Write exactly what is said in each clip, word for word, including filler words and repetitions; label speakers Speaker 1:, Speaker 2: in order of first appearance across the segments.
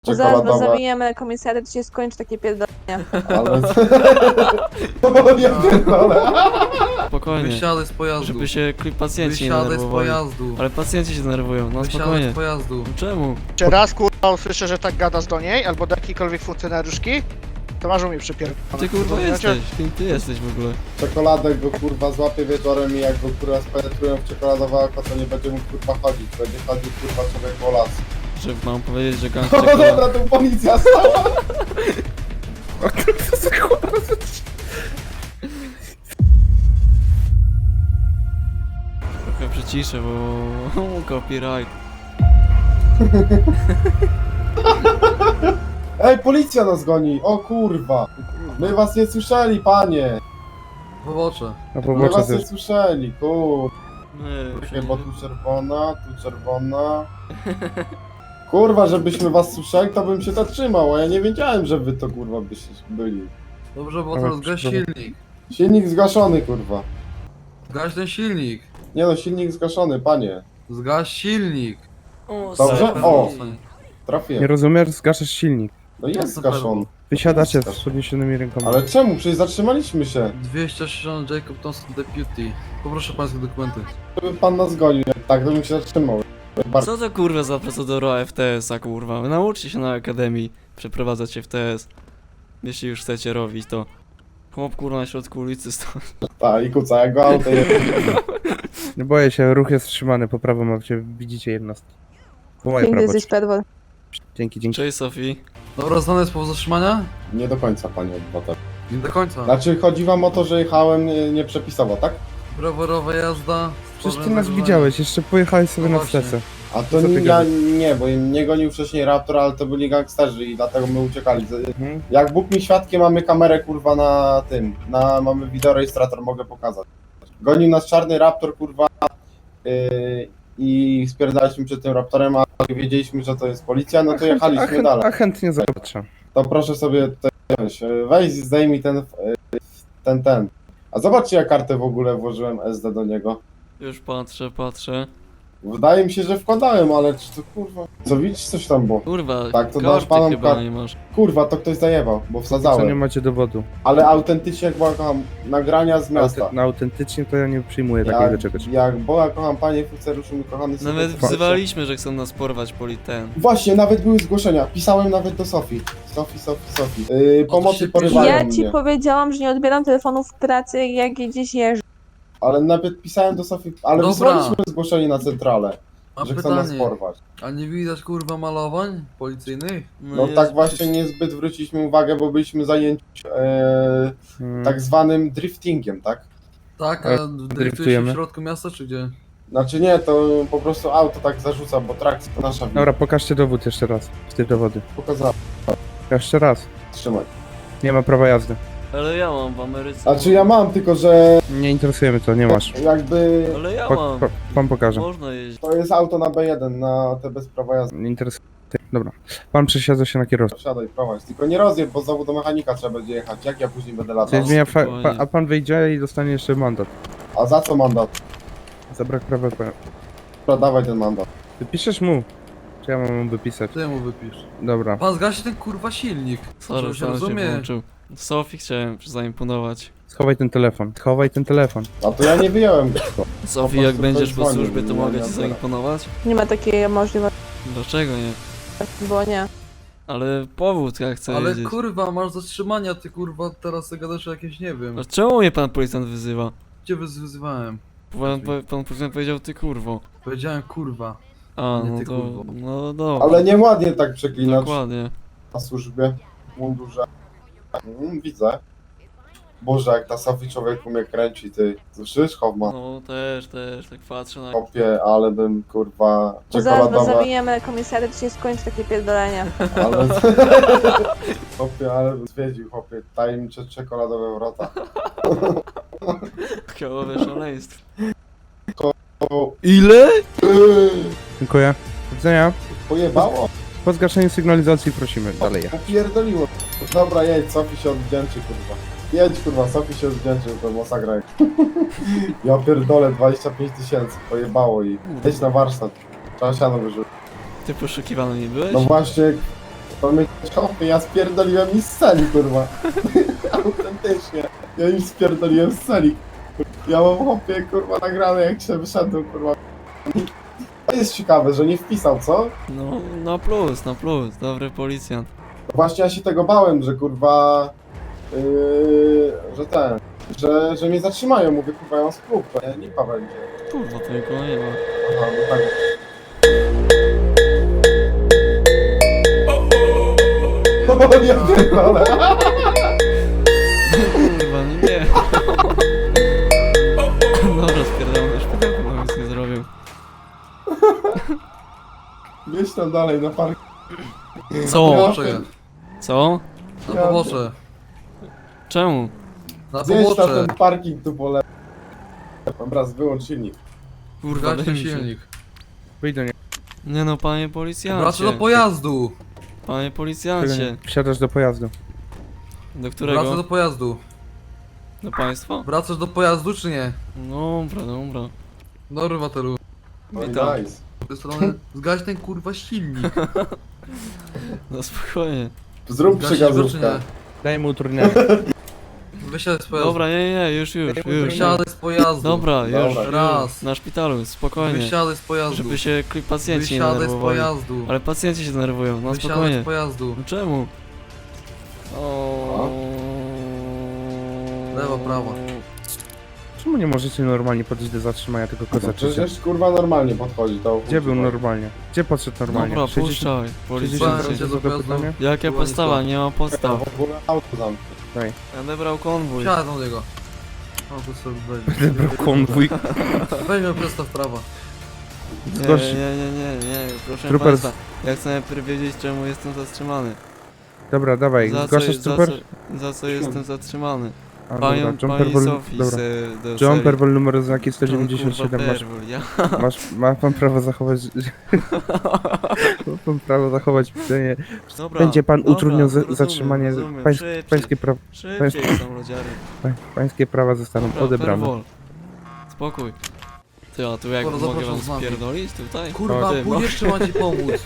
Speaker 1: Zaraz was
Speaker 2: czekoladowe.
Speaker 1: zabijemy komisariat, to się skończy takie pierdolenie.
Speaker 2: Ale... Ja pierdolę.
Speaker 3: Spokojnie,
Speaker 4: Wysiadaj z pojazdu.
Speaker 3: żeby się kli- pacjenci nie
Speaker 4: Wysiadaj z
Speaker 3: denerwowali.
Speaker 4: pojazdu.
Speaker 3: Ale pacjenci się denerwują, no
Speaker 4: Wysiadaj
Speaker 3: spokojnie.
Speaker 4: z pojazdu.
Speaker 3: Czemu?
Speaker 5: Czy raz kurwa usłyszę, że tak gadasz do niej, albo do jakiejkolwiek funkcjonariuszki, to masz mi przypierdolone.
Speaker 3: Ty kurwa
Speaker 5: Rozumiecie?
Speaker 3: jesteś, kim ty jesteś w ogóle?
Speaker 2: Czekoladę go kurwa złapie wieczorem i jak go kurwa spenetrują w czekoladowe oko, to nie będzie mógł kurwa chodzić. Będzie chodził kurwa człowiek po las.
Speaker 3: Że mam powiedzieć, że gang
Speaker 2: No
Speaker 3: czekolad...
Speaker 2: dobra, tu policja stała.
Speaker 3: Trochę przyciszę, bo... copyright.
Speaker 2: Ej, policja nas goni! O kurwa! My was nie słyszeli, panie!
Speaker 4: Pobocze.
Speaker 6: Na
Speaker 2: My
Speaker 6: pobocze
Speaker 2: was nie
Speaker 6: też.
Speaker 2: słyszeli, kur...
Speaker 3: Nie,
Speaker 2: Czekaj, bo tu czerwona, tu czerwona... Kurwa, żebyśmy was słyszeli, to bym się zatrzymał, a ja nie wiedziałem, że wy to kurwa byście byli.
Speaker 4: Dobrze, bo
Speaker 6: Ale
Speaker 4: teraz gaś
Speaker 6: dobra.
Speaker 4: silnik.
Speaker 2: Silnik zgaszony, kurwa.
Speaker 4: Zgaś ten silnik.
Speaker 2: Nie no, silnik zgaszony, panie.
Speaker 4: Zgaś silnik.
Speaker 3: O,
Speaker 2: Dobrze?
Speaker 3: super.
Speaker 2: O.
Speaker 6: Nie
Speaker 2: Trafiłem.
Speaker 6: rozumiesz? Zgaszasz silnik.
Speaker 2: No jest zgaszony.
Speaker 6: Wysiadacie z podniesionymi rękoma.
Speaker 2: Ale czemu? Przecież zatrzymaliśmy się.
Speaker 4: dwieście sześćdziesiąt Jacob Thompson Deputy. Poproszę pańskie dokumenty.
Speaker 2: Żeby pan nas gonił, tak to bym się zatrzymał. Bardzo...
Speaker 3: Co to kurwa za procedura F T S-a kurwa? Nauczcie się na akademii przeprowadzać F T S. Jeśli już chcecie robić to. Chłop kurwa na środku ulicy stoi.
Speaker 2: Tak, i kuca, jak go auto jest.
Speaker 6: Nie boję się, ruch jest wstrzymany, po prawo macie, widzicie jednostki. Po moje
Speaker 1: Piękny
Speaker 6: prawo.
Speaker 1: jesteś pedwol.
Speaker 6: Dzięki, dzięki.
Speaker 3: Cześć Sofii.
Speaker 4: Dobra, znany jest powód zatrzymania?
Speaker 2: Nie do końca, panie obywatel.
Speaker 4: Nie do końca.
Speaker 2: Znaczy, chodzi wam o to, że jechałem nie- nieprzepisowo, tak?
Speaker 4: Rowerowa jazda.
Speaker 6: Przecież ty
Speaker 4: stworzenie
Speaker 6: nas
Speaker 4: zagrożenia.
Speaker 6: widziałeś, jeszcze pojechałeś sobie
Speaker 4: No
Speaker 6: na
Speaker 4: właśnie.
Speaker 6: stecę.
Speaker 2: A to
Speaker 6: Co ty
Speaker 2: nie, ja,
Speaker 6: gadasz?
Speaker 2: nie, bo mnie gonił wcześniej Raptor, ale to byli gangsterzy i dlatego my uciekali. Z-
Speaker 6: Mhm.
Speaker 2: Jak Bóg mi świadkiem, mamy kamerę kurwa na tym, na, mamy wideorejestrator, mogę pokazać. Gonił nas czarny Raptor kurwa yy, i spierdaliśmy przed tym Raptorem, a jak wiedzieliśmy, że to jest policja, no to
Speaker 6: a,
Speaker 2: jechaliśmy
Speaker 6: chęt,
Speaker 2: dalej.
Speaker 6: a chętnie zobaczę.
Speaker 2: To proszę sobie tutaj wziąć, Yy, weź zdejmij ten, yy, ten, ten. A zobaczcie, jak kartę w ogóle włożyłem S D do niego.
Speaker 3: Już patrzę, patrzę.
Speaker 2: Wydaje mi się, że wkładałem, ale czy to kurwa... Co widzisz, coś tam było?
Speaker 3: Kurwa,
Speaker 2: Tak, to dasz
Speaker 3: karty
Speaker 2: panom
Speaker 3: chyba
Speaker 2: kar-
Speaker 3: nie masz.
Speaker 2: Kurwa, to ktoś zajebał, bo
Speaker 6: Co nie
Speaker 2: wsadzałem.
Speaker 6: macie dowodu.
Speaker 2: Ale autentycznie, jak Boga kocham, nagrania z miasta.
Speaker 6: Auty, no autentycznie to ja nie przyjmuję takiego
Speaker 2: Jak,
Speaker 6: czegoś.
Speaker 2: jak Boga kocham, panie funkcjonariuszu, mój kochany syn,
Speaker 3: Nawet
Speaker 2: to-
Speaker 3: wzywaliśmy, że chcą nas porwać politen.
Speaker 2: Właśnie, nawet były zgłoszenia. Pisałem nawet do Sofii. Sofii, Sofii, Sofii. Yy,
Speaker 4: to
Speaker 2: pomocy
Speaker 4: się
Speaker 2: porywają
Speaker 1: Ja
Speaker 2: mnie.
Speaker 1: ci powiedziałam, że nie odbieram telefonów w pracy, jak gdzieś jeżdżę.
Speaker 2: Ale nawet pisałem do Sofii, ale
Speaker 4: Dobra.
Speaker 2: wysłaliśmy zgłoszenie na centralę,
Speaker 4: Mam
Speaker 2: że chcą nas
Speaker 4: pytanie.
Speaker 2: porwać.
Speaker 4: A nie widać kurwa malowań policyjnych?
Speaker 2: No
Speaker 3: jest-
Speaker 2: tak właśnie niezbyt zwróciliśmy uwagę, bo byliśmy zajęci e,
Speaker 6: Hmm.
Speaker 2: tak zwanym driftingiem, tak?
Speaker 4: Tak,
Speaker 6: Ale
Speaker 4: a driftuje się
Speaker 6: driftujemy?
Speaker 4: w środku miasta czy gdzie?
Speaker 2: Znaczy nie, to po prostu auto tak zarzuca, bo trakcja to nasza wina.
Speaker 6: Dobra, pokażcie dowód jeszcze raz. Z tych dowody.
Speaker 2: Pokazałem,
Speaker 6: Jeszcze raz.
Speaker 2: trzymaj.
Speaker 6: Nie ma prawa jazdy.
Speaker 3: Ale ja mam w Ameryce.
Speaker 2: Znaczy ja mam, tylko że
Speaker 6: Nie interesujemy to, nie masz.
Speaker 2: jakby
Speaker 3: Ale ja
Speaker 6: Po,
Speaker 3: mam.
Speaker 6: po, pan pokaże.
Speaker 3: Można jeździć.
Speaker 2: to jest auto na B jeden, na te bez prawa jazdy.
Speaker 6: Nie interesuje. Dobra. Pan przesiadza się na kierowcę.
Speaker 2: Wsiadaj, prowadź. Tylko nie rozjeb, bo znowu do mechanika trzeba będzie jechać. Jak ja później będę latał?
Speaker 6: Czyli zmienia fa-
Speaker 3: spokojnie.
Speaker 6: pa- a pan wyjdzie i dostanie jeszcze mandat.
Speaker 2: A za co mandat?
Speaker 6: Za brak prawa jazdy.
Speaker 2: Dobra, dawaj ten mandat.
Speaker 6: Wypiszesz mu? Czy ja mam mu wypisać?
Speaker 4: Ty mu wypisz.
Speaker 6: Dobra.
Speaker 4: Pan zgasi ten kurwa silnik.
Speaker 3: Sorry,
Speaker 4: Żeby się
Speaker 3: sam się
Speaker 4: rozumie.
Speaker 3: włączył. Sofii chciałem zaimponować.
Speaker 6: Schowaj ten telefon. Schowaj ten telefon.
Speaker 2: A to ja nie wyjąłem go.
Speaker 3: Sofii,
Speaker 2: prostu
Speaker 3: jak będziesz
Speaker 2: ktoś
Speaker 3: po
Speaker 2: dzwonił,
Speaker 3: służbie, to
Speaker 2: nie,
Speaker 3: mogę
Speaker 2: nie,
Speaker 3: ci
Speaker 2: nie.
Speaker 3: zaimponować?
Speaker 1: Nie ma takiej możliwości,
Speaker 3: Dlaczego nie?
Speaker 1: bo nie.
Speaker 3: Ale powód, jak chcę
Speaker 4: Ale
Speaker 3: jeździć.
Speaker 4: kurwa, masz zatrzymania, ty kurwa teraz ty gadasz o jakieś nie wiem.
Speaker 3: A czemu mnie pan policjant wyzywa?
Speaker 4: Cię wyz- wyzywałem.
Speaker 3: Pan, pan, pan policjant powiedział ty kurwo.
Speaker 4: Powiedziałem kurwa.
Speaker 3: A,
Speaker 4: Nie,
Speaker 3: no
Speaker 4: ty
Speaker 3: to...
Speaker 4: kurwo.
Speaker 3: No dobra.
Speaker 2: Ale nieładnie tak przeklinać
Speaker 3: Dokładnie.
Speaker 2: na służbie, w mundurze. Mm, widzę. Boże, jak ta Sofii człowieku mnie kręci, ty. Słyszysz, Hoffman?
Speaker 3: No też, też, tak patrzę na...
Speaker 2: Kopie, ale bym, kurwa,
Speaker 1: Zaraz was
Speaker 2: czekoladowe.
Speaker 1: zabijemy komisariat, to się skończy takie pierdolenie.
Speaker 2: Ale... Chłopie, ale bym zwiedził, chłopie, tajemnicze czekoladowe wrota.
Speaker 3: Kiołowe szaleństwo.
Speaker 2: O,
Speaker 3: Ile?
Speaker 2: yy,
Speaker 6: Dziękuję. Do widzenia.
Speaker 2: pojebało?
Speaker 6: Po zgaszeniu sygnalizacji prosimy dalej.
Speaker 2: Popierdoliło. Dobra, jedź, Sofii się odwdzięczy, kurwa. Jedź, kurwa, Sofii się odwdzięczy, to masakra. Ja pierdolę, dwadzieścia pięć tysięcy, pojebało i jedź na warsztat. Trzeba siano wyrzucić.
Speaker 3: Ty poszukiwany nie byłeś?
Speaker 2: No właśnie, To mnie chłopie, ja spierdoliłem mi z celi, kurwa. Autentycznie. Ja im spierdoliłem z celi. Ja mam chłopie, kurwa, nagrane jak się wyszedłem, kurwa. To jest ciekawe, że nie wpisał, co?
Speaker 3: No, na plus, na plus, dobry policjant.
Speaker 2: Właśnie ja się tego bałem, że kurwa... Yy, że ten... Że, że mnie zatrzymają, mówię, kurwa, ja mam spółkę, nie? Lipa będzie.
Speaker 3: Kurwa, to nikogo nie ma.
Speaker 2: Aha, no tak. O, ja pierdolę.
Speaker 3: Kurwa, no nie. Dobra, spierdolę do szpitalu, bo nic nie zrobił.
Speaker 2: Gdzieś tam dalej na park.
Speaker 3: Co?
Speaker 4: Pobocze,
Speaker 3: Co?
Speaker 4: na pobocze,
Speaker 3: Czemu?
Speaker 4: na
Speaker 2: Zjedź na
Speaker 4: pobocze.
Speaker 2: ten parking tu po lewej. Dobra, wyłącz silnik.
Speaker 3: Kurwa,
Speaker 4: Gaś
Speaker 3: daj
Speaker 4: ten
Speaker 3: mi się.
Speaker 4: silnik.
Speaker 6: Wyjdź do niego.
Speaker 3: Nie no, panie
Speaker 4: Wracasz
Speaker 3: policjancie.
Speaker 4: do pojazdu.
Speaker 3: Panie
Speaker 6: Czego
Speaker 3: policjancie.
Speaker 6: nie? Wsiadasz do pojazdu.
Speaker 3: Do
Speaker 4: Wracasz
Speaker 3: którego?
Speaker 4: do pojazdu.
Speaker 3: Do państwa?
Speaker 4: Wracasz do pojazdu czy nie?
Speaker 3: Dobra, dobra.
Speaker 4: Dobry Watelu.
Speaker 2: No i
Speaker 3: Witam.
Speaker 2: nice.
Speaker 4: Z tej strony zgaś ten kurwa silnik.
Speaker 3: No spokojnie.
Speaker 2: Zrób
Speaker 4: Zgasisz go czy nie?
Speaker 2: przygazówkę.
Speaker 6: Daj mu utrudnienie.
Speaker 4: Wysiadaj z pojazdu.
Speaker 3: Dobra, nie, nie, już, już, już.
Speaker 4: Wysiadaj z pojazdu.
Speaker 3: Dobra, już,
Speaker 2: Dobra.
Speaker 3: już.
Speaker 4: Raz.
Speaker 3: Na szpitalu, spokojnie.
Speaker 4: Wysiadaj z pojazdu.
Speaker 3: Żeby się kli- pacjenci nie
Speaker 4: Wysiadaj z
Speaker 3: denerwowali.
Speaker 4: pojazdu.
Speaker 3: Ale pacjenci się denerwują, no
Speaker 4: Wysiadaj
Speaker 3: spokojnie.
Speaker 4: z pojazdu.
Speaker 3: No czemu? O.
Speaker 4: Lewo, prawo.
Speaker 6: Czemu nie możecie normalnie podejść do zatrzymania tego
Speaker 2: No
Speaker 6: kozaczyka?
Speaker 2: przecież kurwa normalnie podchodzi to.
Speaker 6: Gdzie był normalnie? Gdzie podszedł normalnie?
Speaker 3: Dobra,
Speaker 6: sześćdziesiąt
Speaker 3: puszczaj,
Speaker 4: Policjancie.
Speaker 3: policjancie.
Speaker 4: do pojazdu.
Speaker 6: pytania?
Speaker 3: Jakie
Speaker 4: Chyba nie
Speaker 3: podstawa?
Speaker 4: to.
Speaker 3: Nie ma podstaw.
Speaker 2: W ogóle auto zamknij.
Speaker 3: Ja odebrał konwój.
Speaker 4: Wsiadaj do niego. O, to sobie weźmie.
Speaker 6: Wybrał konwój.
Speaker 4: Weźmie prosto w prawo.
Speaker 3: Nie,
Speaker 6: Zgorszy-
Speaker 3: nie, nie, nie, nie, proszę
Speaker 6: Trooper
Speaker 3: państwa. Ja chcę najpierw wiedzieć, czemu jestem zatrzymany.
Speaker 6: Dobra, dawaj,
Speaker 3: Za co,
Speaker 6: zgłaszasz
Speaker 3: za,
Speaker 6: trooper?
Speaker 3: co, za co jestem zatrzymany?
Speaker 6: A,
Speaker 3: Panią,
Speaker 6: dobra,
Speaker 3: pani
Speaker 6: Jumper Ball,
Speaker 3: Sofii
Speaker 6: dobra.
Speaker 3: z, do
Speaker 6: Jumper
Speaker 3: serii.
Speaker 6: Ball numer znaki sto
Speaker 3: John,
Speaker 6: dziewięćdziesiąt siedem,
Speaker 3: kurwa,
Speaker 6: masz,
Speaker 3: Perwol, ja.
Speaker 6: masz, ma pan prawo zachować, ma pan prawo zachować pytanie.
Speaker 3: Dobra,
Speaker 6: Będzie pan
Speaker 3: dobra,
Speaker 6: utrudniał za-
Speaker 3: rozumiem,
Speaker 6: zatrzymanie,
Speaker 3: rozumiem.
Speaker 6: pańs,
Speaker 3: Szybciej,
Speaker 6: pańskie, pra,
Speaker 3: szybciej są lodziary.
Speaker 6: pań, pańskie prawa zostaną
Speaker 3: Dobra,
Speaker 6: odebrane.
Speaker 3: Perwol. Spokój. Ty, a tu jak
Speaker 4: Dobra,
Speaker 3: mogę
Speaker 4: zapraszam
Speaker 3: wam
Speaker 4: z nami.
Speaker 3: spierdolić tutaj?
Speaker 4: Kurwa,
Speaker 3: Ty,
Speaker 4: pójdziesz czy mam ci pomóc?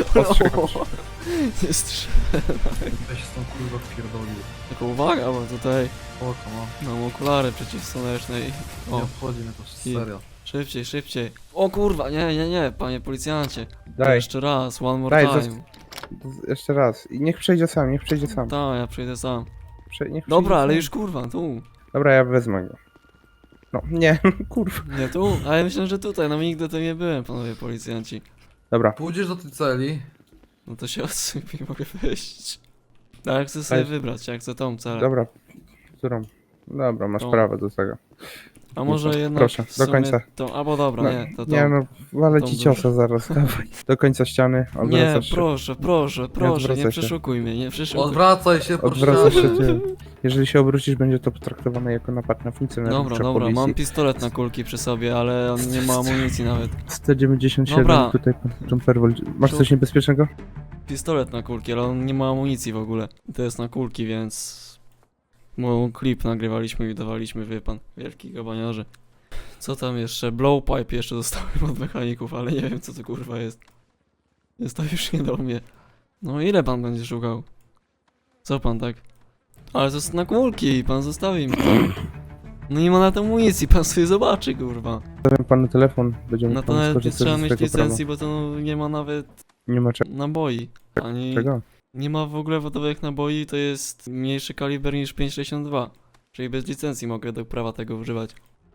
Speaker 3: Nie strzel.
Speaker 4: Weź z tą kurwa wpierdolił.
Speaker 3: Tylko uwaga, bo tutaj
Speaker 4: Oko, no.
Speaker 3: mam okulary przeciwsłoneczne i...
Speaker 4: Nie
Speaker 3: O,
Speaker 4: obchodzi mnie to,
Speaker 3: I-
Speaker 4: serio.
Speaker 3: szybciej, szybciej. O kurwa, nie, nie, nie, panie policjancie.
Speaker 6: Daj,
Speaker 3: Jeszcze raz, one more
Speaker 6: Daj,
Speaker 3: time.
Speaker 6: jeszcze raz. I niech przejdzie sam, niech przejdzie sam.
Speaker 3: Tak, ja przyjdę sam.
Speaker 6: Prze, niech
Speaker 3: Dobra,
Speaker 6: przejdzie
Speaker 3: ale
Speaker 6: sam.
Speaker 3: już kurwa, tu.
Speaker 6: Dobra, ja wezmę go. No, nie, kurwa.
Speaker 3: Nie tu, ale myślę, że tutaj, no nigdy tu nie byłem, panowie policjanci.
Speaker 6: Dobra,
Speaker 4: Pójdziesz do tej celi.
Speaker 3: No to się odsypię, mogę wyjść. Ale chcę sobie
Speaker 6: Weź.
Speaker 3: wybrać, jak chcę tą celę.
Speaker 6: dobra. Którą? Dobra, masz
Speaker 3: Tą.
Speaker 6: prawo do tego.
Speaker 3: A może
Speaker 6: Proszę,
Speaker 3: jednak
Speaker 6: proszę,
Speaker 3: w
Speaker 6: do
Speaker 3: sumie
Speaker 6: końca.
Speaker 3: Tą, albo dobra,
Speaker 6: No,
Speaker 3: nie, to tą.
Speaker 6: Nie no, walę
Speaker 3: tą
Speaker 6: ci
Speaker 3: dużą.
Speaker 6: ciosa zaraz, dawaj. Do końca ściany,
Speaker 3: Nie,
Speaker 6: odwracasz się.
Speaker 3: proszę, proszę, proszę,
Speaker 6: odwracaj
Speaker 3: nie
Speaker 6: się.
Speaker 3: przeszukuj mnie, nie przeszukuj.
Speaker 4: Odwracaj się, proszę.
Speaker 6: Odwracasz się ty. Jeżeli się obrócisz, będzie to potraktowane jako napad na funkcjonariusza
Speaker 3: Dobra, dobra,
Speaker 6: policji.
Speaker 3: mam pistolet na kulki przy sobie, ale on nie ma amunicji nawet.
Speaker 6: sto dziewięćdziesiąt siedem,
Speaker 3: Dobra.
Speaker 6: tutaj pan Jumperwol. Masz
Speaker 3: To-
Speaker 6: coś niebezpiecznego?
Speaker 3: Pistolet na kulki, ale on nie ma amunicji w ogóle. To jest na kulki, więc... Mój klip nagrywaliśmy i dawaliśmy, wie pan, wielki gabaniarze. Co tam jeszcze? Blowpipe jeszcze dostałem od mechaników, ale nie wiem co to kurwa jest. Jest to już nie do mnie. No ile pan będzie szukał? Co pan tak? Ale to jest na kulki, pan zostawi mi to. No nie ma na to amunicji, pan sobie zobaczy kurwa.
Speaker 6: Dałem panu telefon, będziemy
Speaker 3: No to
Speaker 6: pan
Speaker 3: nawet nie
Speaker 6: skorzystać
Speaker 3: trzeba
Speaker 6: z
Speaker 3: mieć
Speaker 6: tego prawa.
Speaker 3: licencji, bo to no, nie ma nawet
Speaker 6: Nie ma cze-
Speaker 3: naboi. Ani
Speaker 6: czego?
Speaker 3: nie ma w ogóle wodowych naboi, to jest mniejszy kaliber niż pięć sześćdziesiąt dwa. Czyli bez licencji mogę do prawa tego używać.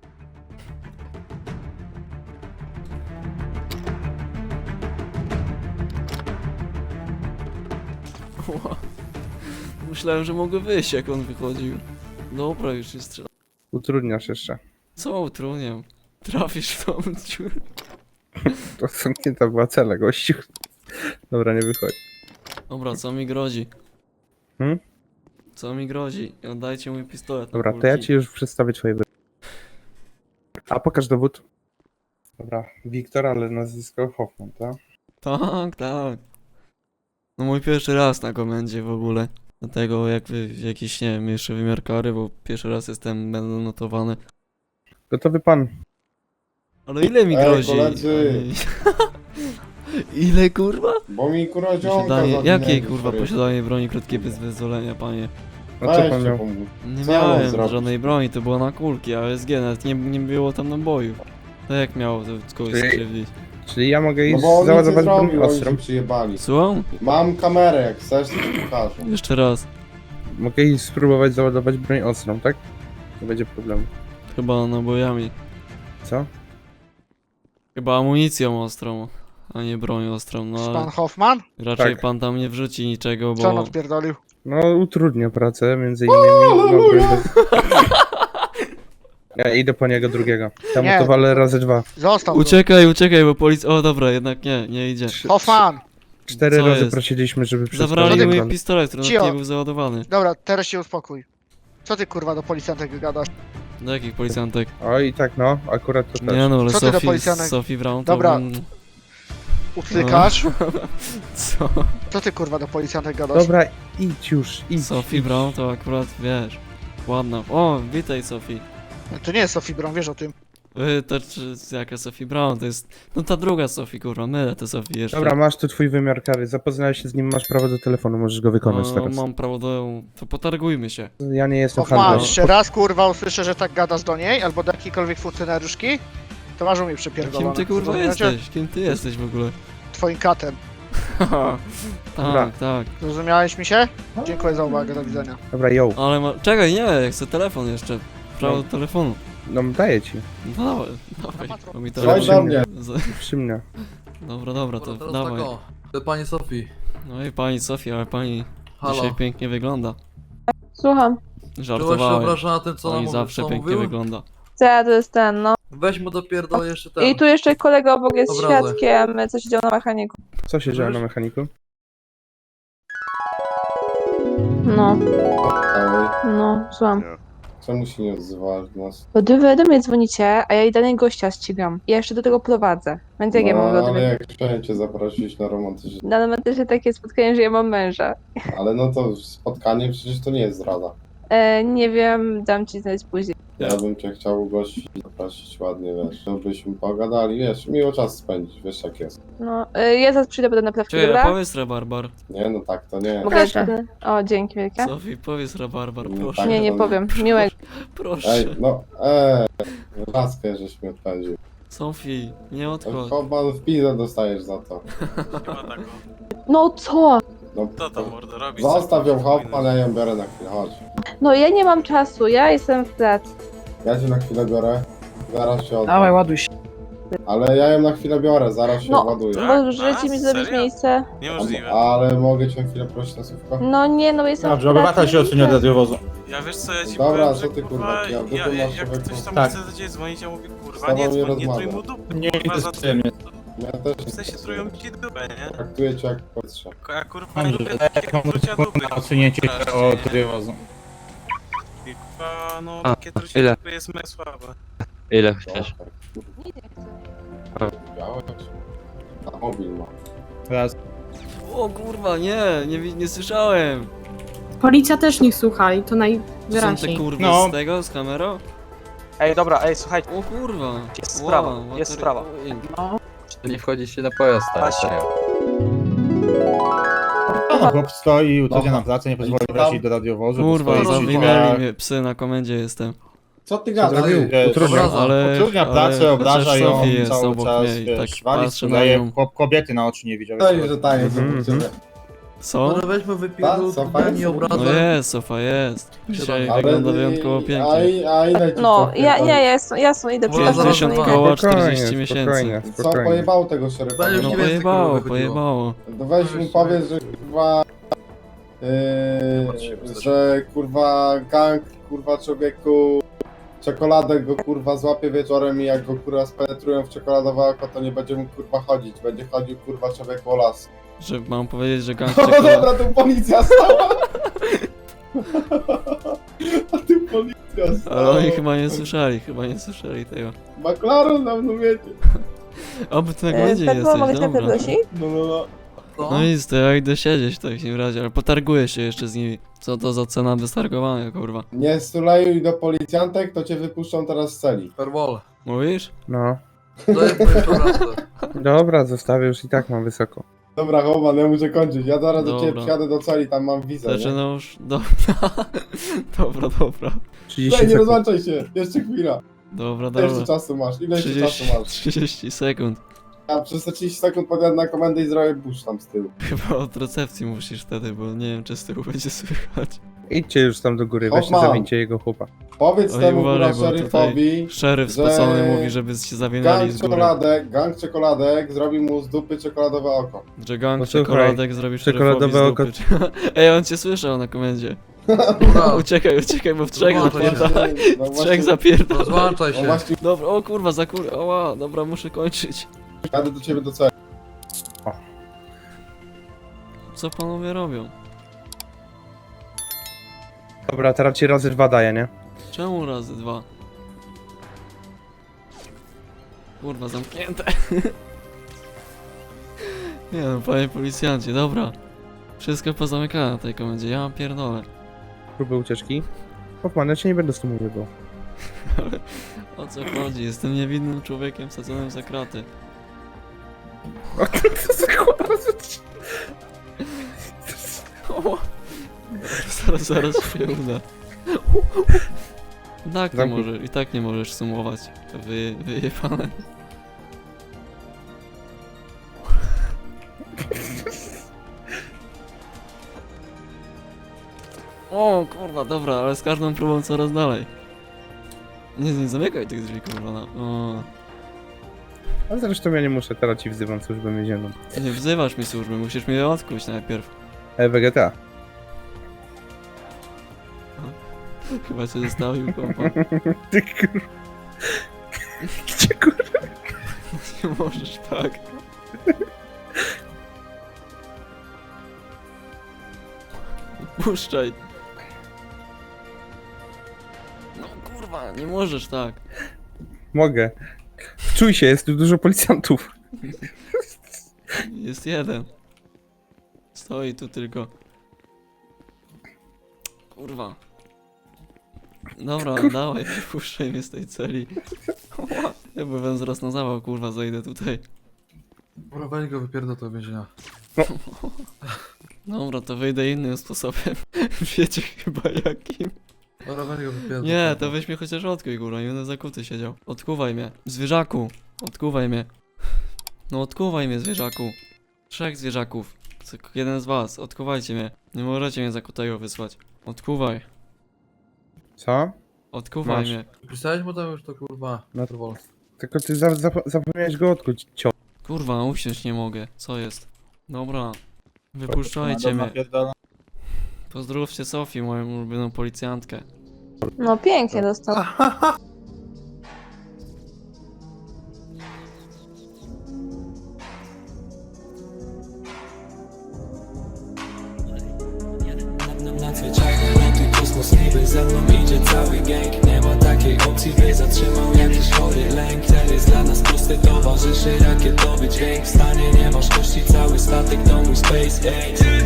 Speaker 3: Ła. Myślałem, że mogę wyjść jak on wychodził. Dobra, już jest strzela.
Speaker 6: Utrudniasz jeszcze.
Speaker 3: Co utrudniam? Trafisz w tą dziurę.
Speaker 6: To zamknięta była cela, gościu. Dobra, nie wychodź.
Speaker 3: Dobra, co mi grozi?
Speaker 6: Hmm?
Speaker 3: Co mi grozi? Oddajcie mój pistolet. na
Speaker 6: Dobra, to ja
Speaker 3: kulki.
Speaker 6: ci już przedstawię twoje wy... A pokaż dowód. Dobra, Wiktor, ale nazwisko Hoffman, tak?
Speaker 3: Tak, tak. No mój pierwszy raz na komendzie w ogóle. Dlatego jakby jakiś, nie wiem, jeszcze wymiar kary, bo pierwszy raz jestem, będę notowany.
Speaker 6: Gotowy pan.
Speaker 3: Ale ile mi
Speaker 2: Ej,
Speaker 3: grozi?
Speaker 2: koledzy.
Speaker 3: Ej. Ile kurwa?
Speaker 2: Bo mi kurwa ziomka
Speaker 3: Posiadanie,
Speaker 2: zawinęli,
Speaker 3: jakiej kurwa
Speaker 2: sorry.
Speaker 3: posiadanie broni krótkiej bez wyzwolenia, panie?
Speaker 6: A co pan
Speaker 2: Weźcie
Speaker 6: miał?
Speaker 2: pomóż.
Speaker 3: Nie
Speaker 2: Co ja mam
Speaker 3: miałem
Speaker 2: zrobić?
Speaker 3: żadnej broni, to było na kulki, a S G nawet nie, nie było tam nabojów. To jak miało to kogoś
Speaker 6: Czyli-
Speaker 3: skrzywdzić?
Speaker 6: Czyli ja mogę
Speaker 2: No
Speaker 6: iść
Speaker 2: bo on nic nie
Speaker 6: załadować broń
Speaker 2: zrobił, oni
Speaker 6: ostrą.
Speaker 2: się przyjebali.
Speaker 3: Słucham?
Speaker 2: Mam kamerę, jak chcesz, to ci pokażę.
Speaker 3: Jeszcze raz.
Speaker 6: Mogę iść spróbować załadować broń ostrą, tak? Nie będzie problemu.
Speaker 3: Chyba nabojami.
Speaker 6: Co?
Speaker 3: Chyba amunicją ostrą, a nie bronią ostrą, no
Speaker 5: Pan
Speaker 3: ale
Speaker 5: Hoffman?
Speaker 3: raczej
Speaker 6: Tak.
Speaker 3: pan tam nie wrzuci niczego,
Speaker 5: Co on
Speaker 3: bo...
Speaker 5: odpierdolił?
Speaker 6: No utrudnia pracę, między innymi. No, broń bez... Ja idę po niego drugiego. Tam
Speaker 5: Nie.
Speaker 6: to walę razy dwa.
Speaker 5: Został go.
Speaker 3: Uciekaj, uciekaj, bo policja... O dobra, jednak nie, nie idzie.
Speaker 6: Trzy-
Speaker 5: Hoffman!
Speaker 6: Cztery
Speaker 3: Co
Speaker 6: razy
Speaker 3: jest?
Speaker 6: prosiliśmy, żeby
Speaker 3: Zabrali
Speaker 6: przestali
Speaker 3: mój
Speaker 6: broń.
Speaker 3: pistolet, który nawet
Speaker 5: Cio.
Speaker 3: nie był załadowany.
Speaker 5: Dobra, teraz się uspokój. Co ty kurwa do policjantek gadasz?
Speaker 3: Do jakich policjantek?
Speaker 6: Oj, tak no, akurat to też.
Speaker 3: Nie no, ale
Speaker 5: Co ty do
Speaker 3: Sophie,
Speaker 5: policjanek?
Speaker 3: Sophie Brown to...
Speaker 5: Dobra.
Speaker 3: bym-
Speaker 5: Utlykasz?
Speaker 3: Co?
Speaker 5: Co ty kurwa do policjantek gadasz?
Speaker 6: Dobra, idź już, idź.
Speaker 3: Sophie
Speaker 6: idź.
Speaker 3: Brown to akurat, wiesz... Ładna. O, witaj Sophie.
Speaker 5: To nie jest Sophie Brown, wiesz o tym.
Speaker 3: Wy, to czy, jaka Sophie Brown, to jest... No ta druga Sophie, kurwa, mylę tę Sophie jeszcze.
Speaker 6: Dobra, masz tu twój wymiar kary. Zapoznałeś się z nim, masz prawo do telefonu, możesz go wykonać
Speaker 3: no,
Speaker 6: teraz.
Speaker 3: mam prawo do... To potargujmy się.
Speaker 6: Ja nie jestem
Speaker 5: Hoffman,
Speaker 6: handlarzem.
Speaker 5: jeszcze raz kurwa usłyszę, że tak gadasz do niej, albo do jakiejkolwiek funkcjonariuszki, to masz u mnie
Speaker 3: Kim
Speaker 5: przepierdolone.
Speaker 3: ty kurwa
Speaker 5: Rozumiecie?
Speaker 3: jesteś? Kim ty jesteś w ogóle?
Speaker 5: Twoim katem.
Speaker 6: Dobra.
Speaker 3: tak, tak.
Speaker 5: Zrozumiałeś mi się? Dziękuję za uwagę, do widzenia.
Speaker 6: Dobra, yo.
Speaker 3: Ale ma... Czekaj, nie, ja chcę telefon jeszcze. Prawo
Speaker 6: No.
Speaker 3: do telefonu.
Speaker 6: No daję ci.
Speaker 3: No dawaj, dawaj. Bo mi
Speaker 2: Słuchaj
Speaker 3: telefon...
Speaker 2: do mnie.
Speaker 3: Z-
Speaker 6: Przy mnie.
Speaker 3: Dobra, dobra, to
Speaker 4: Teraz
Speaker 3: dawaj.
Speaker 4: tak o. Do pani Sofii.
Speaker 3: No i pani Sofia, ale pani
Speaker 4: Halo.
Speaker 3: dzisiaj pięknie wygląda.
Speaker 1: Słucham.
Speaker 4: Czułaś się
Speaker 3: Żartowałem.
Speaker 4: obrażona tym, co
Speaker 3: Pani
Speaker 4: nam
Speaker 3: zawsze
Speaker 4: co
Speaker 3: pięknie
Speaker 4: mówił?
Speaker 3: wygląda.
Speaker 1: Co ja to jest ten, no.
Speaker 4: Weź mu dopierdol jeszcze ten.
Speaker 1: I tu jeszcze kolega obok jest
Speaker 4: Obrazek.
Speaker 1: świadkiem, co się działo na mechaniku.
Speaker 6: Co się dzieje
Speaker 4: Wiesz?
Speaker 6: na mechaniku?
Speaker 1: No,
Speaker 2: Ej,
Speaker 1: no, słucham.
Speaker 2: czemu się nie odzywasz do nas?
Speaker 1: Bo wy do mnie dzwonicie, a ja i danego gościa ścigam. I ja jeszcze do tego prowadzę. Więc jak ja
Speaker 2: No,
Speaker 1: mogę do
Speaker 2: ale
Speaker 1: tego...
Speaker 2: jak chciałem cię zaprosić na romantyczne...
Speaker 1: Na momencie takie spotkanie, że ja mam męża.
Speaker 2: Ale no to spotkanie przecież to nie jest zdrada.
Speaker 1: E, nie wiem, dam ci znać później.
Speaker 2: Ja bym cię chciał ugościć, zaprosić ładnie, wiesz, żebyśmy pogadali, wiesz, miło czas spędzić, wiesz jak jest.
Speaker 1: No, e, ja zaraz przyjdę potem na prawkę,
Speaker 3: Czekaj, a
Speaker 1: dobra?
Speaker 3: powiedz rabarbar.
Speaker 2: Nie, no tak to nie.
Speaker 1: Mogę jeszcze... O, dzięki wielkie.
Speaker 3: Sofii, powiedz rabarbar,
Speaker 2: No
Speaker 3: proszę.
Speaker 2: tak.
Speaker 1: Nie, nie
Speaker 2: to-
Speaker 1: powiem. Miłego.
Speaker 3: Proszę.
Speaker 2: Ej, no, eee, laskę żeś mi odpędził.
Speaker 3: Sofii, nie odchodź.
Speaker 2: Choban w pizę dostajesz za to.
Speaker 7: Chyba tak.
Speaker 1: No co?
Speaker 2: No,
Speaker 7: Co tam mordo robisz?
Speaker 2: zostaw ją Hoffman, ja ją biorę na chwilę, chodź.
Speaker 1: No ja nie mam czasu, ja jestem w pracy.
Speaker 2: Ja cię na chwilę biorę, zaraz się oddam.
Speaker 8: Dawaj, ładuj się.
Speaker 2: Ale ja ją na chwilę biorę, zaraz się
Speaker 1: No.
Speaker 2: ładuję.
Speaker 7: Tak?
Speaker 1: Możecie mi
Speaker 7: A,
Speaker 1: zrobić
Speaker 7: serio?
Speaker 1: miejsce?
Speaker 7: Niemożliwe.
Speaker 2: Ale mogę cię chwilę prosić na słówko?
Speaker 1: No nie, no jestem
Speaker 9: Dobrze,
Speaker 1: w pracy.
Speaker 9: obywatel się odsunie od radiowozu.
Speaker 7: Ja wiesz co, ja ci
Speaker 2: Dobra,
Speaker 7: powiem,
Speaker 2: co
Speaker 7: że
Speaker 2: ty, kurwa,
Speaker 7: kurwa,
Speaker 2: ja
Speaker 7: ja,
Speaker 2: dupy
Speaker 7: ja,
Speaker 2: masz,
Speaker 7: jak
Speaker 2: człowieku.
Speaker 7: ktoś tam
Speaker 9: Tak.
Speaker 7: chce do ciebie dzwonić, ja mówię
Speaker 2: Z
Speaker 7: kurwa,
Speaker 2: tobą
Speaker 7: nie
Speaker 2: nie
Speaker 7: dzwoń, nie
Speaker 2: rozmawiam.
Speaker 7: trój mu dupy,
Speaker 9: Nie
Speaker 7: kurwa, za to
Speaker 9: interesuje mnie.
Speaker 2: Ja też
Speaker 7: w sensie trują ci dupę, nie?
Speaker 2: traktuję cię jak powietrze.
Speaker 7: A kurwa, nie
Speaker 9: Dobrze,
Speaker 7: lubię
Speaker 9: jak
Speaker 7: takiego
Speaker 9: mam
Speaker 7: trucia dupy.
Speaker 9: na odsunięcie
Speaker 7: Strasznie,
Speaker 9: od
Speaker 7: nie?
Speaker 9: radiowozu.
Speaker 7: I kurwa, no
Speaker 10: A,
Speaker 7: takie trucie
Speaker 10: ile?
Speaker 7: dupy jest mega słabe.
Speaker 10: Ile chcesz?
Speaker 2: Białe? A mobil ma.
Speaker 9: Raz.
Speaker 3: O kurwa, nie, nie, wi- nie słyszałem.
Speaker 8: Policja też nie słucha i to
Speaker 3: To są te
Speaker 8: najwyraźniej.
Speaker 3: kurwy
Speaker 9: No.
Speaker 3: z tego, z kamerą?
Speaker 8: Ej, dobra, ej, słuchajcie.
Speaker 3: O kurwa.
Speaker 8: Jest sprawa,
Speaker 3: what
Speaker 8: jest
Speaker 3: the-
Speaker 8: sprawa.
Speaker 3: Oj.
Speaker 4: To nie wchodzicie na pojazd, stary,
Speaker 8: Patrzcie.
Speaker 4: serio.
Speaker 9: Chłop stoi, utrudnia
Speaker 2: No.
Speaker 9: nam pracę, nie pozwoli
Speaker 2: I co tam?
Speaker 9: wrócić do radiowozu. bo
Speaker 3: Kurwa,
Speaker 9: stoi przy
Speaker 3: zawinęli
Speaker 9: drzwiach.
Speaker 3: mnie, psy na komendzie jestem.
Speaker 2: Co ty
Speaker 6: Co zrobił?
Speaker 9: Wiesz,
Speaker 6: Utrudniał.
Speaker 4: obraza.
Speaker 3: Ale,
Speaker 9: Utrudnia
Speaker 3: ale
Speaker 9: pracę, obraża
Speaker 3: chociaż
Speaker 9: ją
Speaker 3: Sofie jest
Speaker 9: cały
Speaker 3: obok
Speaker 9: czas,
Speaker 3: mnie i
Speaker 9: wiesz,
Speaker 3: tak
Speaker 9: wali,
Speaker 3: patrzę na
Speaker 9: sprzedaje,
Speaker 3: nią.
Speaker 9: chłop- kobiety na oczy nie widział.
Speaker 2: To jest, że taje
Speaker 6: Mhm,
Speaker 2: obok ciebie.
Speaker 3: Co?
Speaker 4: Może weźmy wypierdol
Speaker 2: Co,
Speaker 4: dupę,
Speaker 2: fajnie?
Speaker 4: nie
Speaker 3: No
Speaker 4: obrażaj.
Speaker 3: jest, Sofa jest. Dzisiaj
Speaker 2: Ale
Speaker 3: wygląda
Speaker 2: ty-
Speaker 3: wyjątkowo
Speaker 2: A,
Speaker 3: pięknie.
Speaker 2: i- a ile ci
Speaker 1: No,
Speaker 2: co
Speaker 1: ja,
Speaker 2: wpierdoli?
Speaker 1: nie, jasno, jasno, idę
Speaker 4: Dobra,
Speaker 1: przepraszam,
Speaker 3: pięćdziesiąt
Speaker 4: zaraz,
Speaker 1: no,
Speaker 3: koła,
Speaker 1: idę.
Speaker 3: czterdzieści miesięcy.
Speaker 6: Spokojnie,
Speaker 2: Co
Speaker 6: spokojnie.
Speaker 2: pojebało tego szeryfa?
Speaker 4: Będziesz
Speaker 3: No
Speaker 4: mniej więcej,
Speaker 3: pojebało,
Speaker 4: kurwa, wychodziło.
Speaker 3: pojebało.
Speaker 2: No weź mu powiedz, że kurwa... Yy, że kurwa gang, kurwa człowieku... Czekoladę go kurwa złapie wieczorem i jak go kurwa spenetrują w czekoladowe oko, to nie będzie mógł kurwa chodzić. Będzie chodził kurwa człowieku o las.
Speaker 3: Że mam powiedzieć, że gang
Speaker 2: No
Speaker 3: czekolady.
Speaker 2: dobra, tu policja stała! A tu policja stała!
Speaker 3: Ale oni chyba nie słyszeli, chyba nie słyszeli tego.
Speaker 2: McLaren nam no wiecie.
Speaker 3: Oby ty na
Speaker 1: E,
Speaker 3: komendzie nie
Speaker 1: Petro, mogę
Speaker 3: jesteś,
Speaker 1: cię
Speaker 3: dobra.
Speaker 1: prosić?
Speaker 2: No no no.
Speaker 4: Co?
Speaker 3: No nic, to ja idę siedzieć w takim razie, ale potarguję się jeszcze z nimi. Co to za cena wystargowania, kurwa.
Speaker 2: Nie stulejuj do policjantek, to cię wypuszczą teraz z celi.
Speaker 4: Perwol.
Speaker 3: Mówisz?
Speaker 6: No.
Speaker 4: Daję moje prowadzę.
Speaker 6: Dobra, zostawię już i tak mam wysoko.
Speaker 2: Dobra, Homan, ja muszę kończyć. Ja zaraz do ciebie
Speaker 3: Dobra.
Speaker 2: przyjadę do celi, tam mam wizę, nie?
Speaker 3: Zaczyna już... Dobra, dobra, dobra.
Speaker 6: trzydzieści
Speaker 2: Daj, nie
Speaker 6: sekund.
Speaker 2: rozłączaj się, jeszcze chwila.
Speaker 3: Dobra,
Speaker 2: Ile jeszcze
Speaker 3: dobra.
Speaker 2: czasu masz? Ile jeszcze
Speaker 3: trzydzieści,
Speaker 2: czasu masz?
Speaker 3: trzydzieści sekund.
Speaker 2: Ja przez te trzydzieści sekund podjadę na komendę i zrobię push tam z tyłu.
Speaker 3: Chyba od recepcji musisz wtedy, bo nie wiem, czy z tyłu będzie słychać.
Speaker 6: Idźcie już tam do góry, weźcie,
Speaker 2: Hoffman.
Speaker 6: zawincie jego chłopa.
Speaker 2: Powiedz
Speaker 3: Oj,
Speaker 2: temu
Speaker 3: uważaj,
Speaker 2: kurwa
Speaker 3: bo
Speaker 2: szeryfowi,
Speaker 3: Szeryf
Speaker 2: że
Speaker 3: spocony mówi, żeby się zawinęli
Speaker 2: gang
Speaker 3: z góry.
Speaker 2: czekoladek, gang czekoladek zrobi mu z dupy czekoladowe oko.
Speaker 3: Że gang
Speaker 6: Posłuchaj,
Speaker 3: czekoladek zrobi
Speaker 6: czekoladowe
Speaker 3: czekoladowe oko. Ej, on cię słyszał na komendzie.
Speaker 4: Dobra,
Speaker 3: Uciekaj, uciekaj, bo w trzech
Speaker 4: Rozłączaj się.
Speaker 3: zapierdalaj.
Speaker 2: No
Speaker 3: W
Speaker 2: właśnie,
Speaker 3: trzech zapierdalaj.
Speaker 4: rozłączaj
Speaker 2: no
Speaker 4: się.
Speaker 2: właśnie,
Speaker 3: Dobra, o kurwa, za kur... Oła, dobra, muszę kończyć.
Speaker 2: jadę do ciebie do celi.
Speaker 3: Co panowie robią?
Speaker 6: Dobra, teraz ci razy dwa daję, nie?
Speaker 3: Czemu razy dwa? Kurwa, zamknięte. Nie no, panie policjancie, dobra. Wszystko pozamykane na tej komendzie, ja mam pierdolę.
Speaker 6: Próby ucieczki. Hoffman, ja cię nie będę z tym mówił.
Speaker 3: Ale o co chodzi? Jestem niewinnym człowiekiem wsadzonym za kraty. O, zaraz, zaraz się uda. Tak, nie
Speaker 6: Zamknij.
Speaker 3: może, i tak nie możesz sumować. Wy, wyjebane. O kurwa, dobra, ale z każdą próbą coraz dalej. Nie, nie zamykaj tych drzwi, kurwa. No. O,
Speaker 6: Ale zresztą ja nie muszę, teraz ci wzywam służbę więzienną.
Speaker 3: nie wzywasz mi służby, musisz mnie odkuć najpierw.
Speaker 6: E, Vegeta.
Speaker 3: Chyba cię zostawił, kompa.
Speaker 6: Ty kur... Gdzie kur...
Speaker 3: Nie możesz tak. Puszczaj. No kurwa, nie możesz tak.
Speaker 6: Mogę. Wczuj się, jest tu dużo policjantów.
Speaker 3: Jest jeden. Stoi tu tylko. Kurwa. Dobra, dawaj, puszczaj mnie z tej celi. Ja byłem zaraz na zawał, kurwa, zajdę tutaj.
Speaker 4: Dobra, weź go wypierdol do więzienia.
Speaker 3: Dobra, to wyjdę innym sposobem. Wiecie chyba jakim.
Speaker 4: Dobra, weź go wypierdol.
Speaker 3: Nie, to weź mnie chociaż odkuj, kurwa, nie będę zakuty siedział. Odkuwaj mnie. Zwierzaku. Odkuwaj mnie. No odkuwaj mnie, zwierzaku. Trzech zwierzaków. Co- Jeden z was, odkuwajcie mnie. Nie możecie mnie zakutego wysłać. Odkuwaj.
Speaker 6: Co?
Speaker 3: Odkuwaj
Speaker 6: Masz.
Speaker 3: mnie.
Speaker 4: Pisałeś mu tam już to kurwa.
Speaker 6: No.
Speaker 4: Trwol.
Speaker 6: Tylko ty za, za, zapomniałeś go odkuć, cio.
Speaker 3: Kurwa, usiąść nie mogę. Co jest? Dobra. Wypuszczajcie mnie. Pozdrówcie Sofię, moją ulubioną policjantkę.
Speaker 1: No pięknie dostał.
Speaker 10: Nadzwyczajne loty, kosmos niby ze mną idzie cały gang. Nie ma takiej opcji, by zatrzymał jakiś chory lęk. Cel jest dla nas prosty, towarzyszy rakietowy dźwięk. W stanie nie masz kości, cały statek to mój SpaceX.